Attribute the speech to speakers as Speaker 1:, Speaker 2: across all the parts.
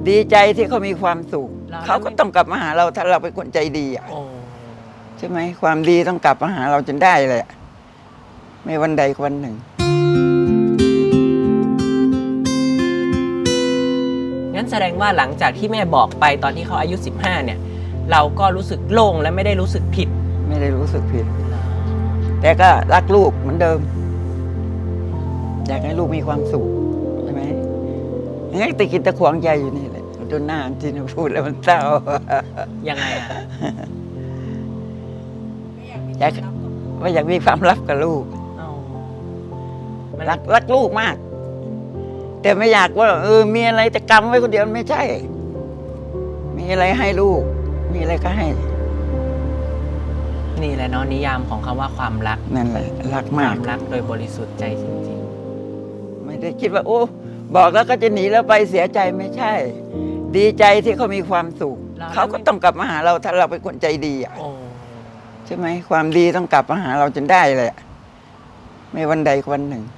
Speaker 1: ดีใจที่เขามีความสุขเขาก็ต้องกลับมาหาเราถ้าเราเป็นคนใจดีอ่ะใช่ไหมความดีต้องกลับมาหาเราจนได้เลยไม่วันใดวันหนึ่ง
Speaker 2: งั้นแสดงว่าหลังจากที่แม่บอกไปตอนที่เขาอายุ15เนี่ยเราก็รู้สึกโล่งและไม่ได้รู้สึกผิด
Speaker 1: ไม่ได้รู้สึกผิดแต่ก็รักลูกเหมือนเดิมอยากให้ลูกมีความสุขใช่ไหมงั้นตะกิดตะขวงใจอยู่นี่แหละดูหน้าที่หนูพูดแล้วมันเศร้า
Speaker 2: ยังไงอ่ะ
Speaker 1: อยากมีความรักกับลูกรักลูกมากแต่ไม่อยากว่ามีอะไรจะกำไว้คนเดียวไม่ใช่มีอะไรให้ลูกมีอะไรก็ให้
Speaker 2: นี่แหละเนาะนิยามของคำว่าความรัก
Speaker 1: นั่นแหละรักมาก
Speaker 2: รักโดยบริสุทธิ์ใจจริงๆ
Speaker 1: ไม่ได้คิดว่าโอ้บอกแล้วก็จะหนีแล้วไปเสียใจไม่ใช่ ดีใจที่เขามีความสุขเขาก็ต้องกลับมาหาเราถ้าเราเป็นคนใจดีอ่ะใช่ไหมความดีต้องกลับมาหาเราจนได้เลยไม่วันใดวันหนึ่ง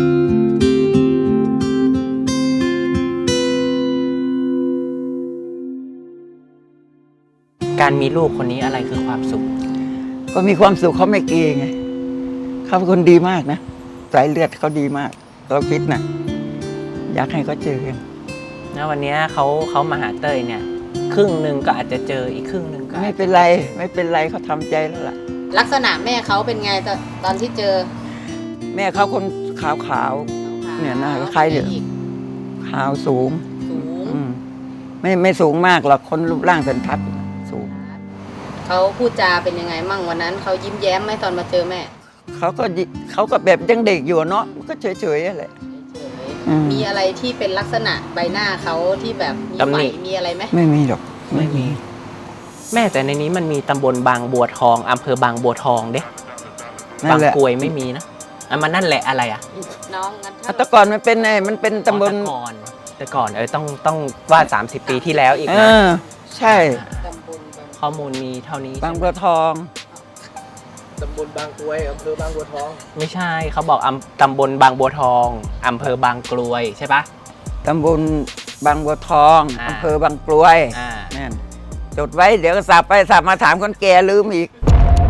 Speaker 2: การมีลูกคนนี้อะไรคือความสุข
Speaker 1: ก็มีความสุขเขาไม่เกรงไงเขาเป็นคนดีมากนะสายเลือดเขาดีมากเราคิดนะอยากให้เขาเจอกัน
Speaker 2: นะวันนี้เขามาหาเต้ยเนี่ยครึ่งหนึ่งก็อาจจะเจออีกครึ่งหนึ่งก็
Speaker 1: ไม่เป็นไรไม่เป็นไรเขาทำใจแล้วล่ะ
Speaker 3: ลักษณะแม่เขาเป็นไงตอนที่เจอ
Speaker 1: แม่เขาคนขาวเนี่ยหน้าคล้ายเนี่ยขาวสูงไม่สูงมากหรอกคนรูปร่างสันทัดสูง
Speaker 3: เขาพูดจาเป็นยังไงมั่งวันนั้นเขายิ้มแย้มไหมตอนมาเจอแม่
Speaker 1: เขาก็แบบยังเด็กอยู่เนาะก็เฉยๆอะไร
Speaker 3: มีอะไรที่เป็นลักษณะใบหน้าเขาที่แบบมีไฝมีอะไรไหม
Speaker 1: ไม่มีหรอก
Speaker 2: ไม่มีแม่แต่ในนี้มันมีตำบลบางบัวทองอำเภอบางบัวทองเด้บางกรวยไม่มีนะมันนั่นแหละอะไรอ่ะ
Speaker 3: น้อง
Speaker 1: แต่ก่อนมันเป็นตำบล
Speaker 2: แต่ก่อนต้องว่า30 ปีที่แล้วอีกนะ
Speaker 1: ใช่
Speaker 2: ข้อมูลมีเท่านี้
Speaker 1: บางบัวทอง
Speaker 4: ตำบลบางกรวยอำเภอบางบัวทอง
Speaker 2: ไม่ใช่เขาบอกตำบลบางบัวทองอำเภอบางกรวยใช่ปะ
Speaker 1: ตำบลบางบัวทองอำเภอบางกรวยนั่นจดไว้เดี๋ยวสับไปสับมาถามคนแก่ลืมอีก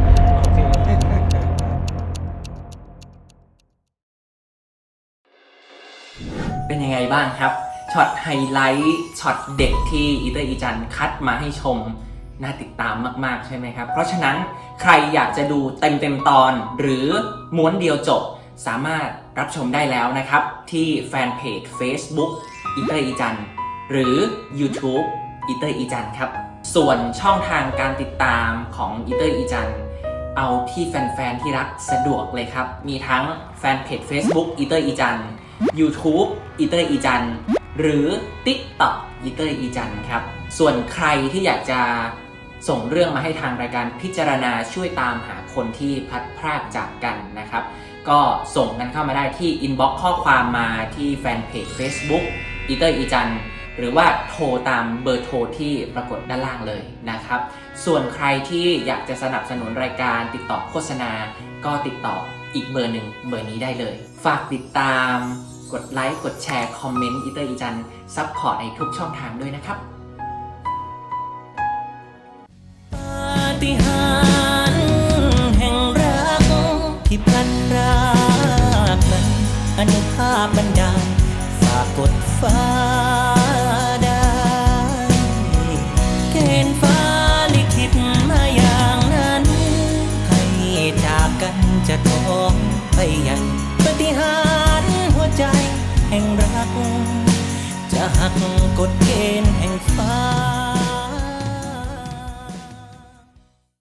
Speaker 2: เป็นยังไงบ้างครับช็อตไฮไลท์ช็อตเด็กที่อีเตอร์อีจันคัดมาให้ชมน่าติดตามมากๆใช่ไหมครับเพราะฉะนั้นใครอยากจะดูเต็มตอนหรือม้วนเดียวจบสามารถรับชมได้แล้วนะครับที่แฟนเพจ Facebook อีเตอร์อีจันหรือ YouTube อีเตอร์อีจันครับส่วนช่องทางการติดตามของอีเตอร์อีจันเอาที่แฟนๆที่รักสะดวกเลยครับมีทั้งแฟนเพจ Facebook อีเตอร์อีจัน YouTube อีเตอร์อีจันหรือ TikTok อีเตอร์อีจันครับส่วนใครที่อยากจะส่งเรื่องมาให้ทางรายการพิจารณาช่วยตามหาคนที่พลัดพรากจากกันนะครับก็ส่งกันเข้ามาได้ที่อินบ็อกซ์ข้อความมาที่แฟนเพจ Facebook อีเตอร์อีจันหรือว่าโทรตามเบอร์โทรที่ปรากฏด้านล่างเลยนะครับส่วนใครที่อยากจะสนับสนุนรายการติดต่อโฆษณาก็ติดต่ออีกเบอร์หนึ่งเบอร์นี้ได้เลยฝากติดตามกดไลค์กดแชร์คอมเมนต์อีเตอร์อีจันซัพพอร์ตในทุกช่องทางด้วยนะครับปาฏิหาริย์แห่งรักที่พลัดพรากนั้นอนุภาพบันดาลฝากกดฟ้าได้เกณฑ์ฟ้าลิขิตมาอย่างนั้นให้จากกันจะท้องไปยังปาฏิหาริย์หัวใจแห่งรักจะหักกฎเกณฑ์แห่งฟ้า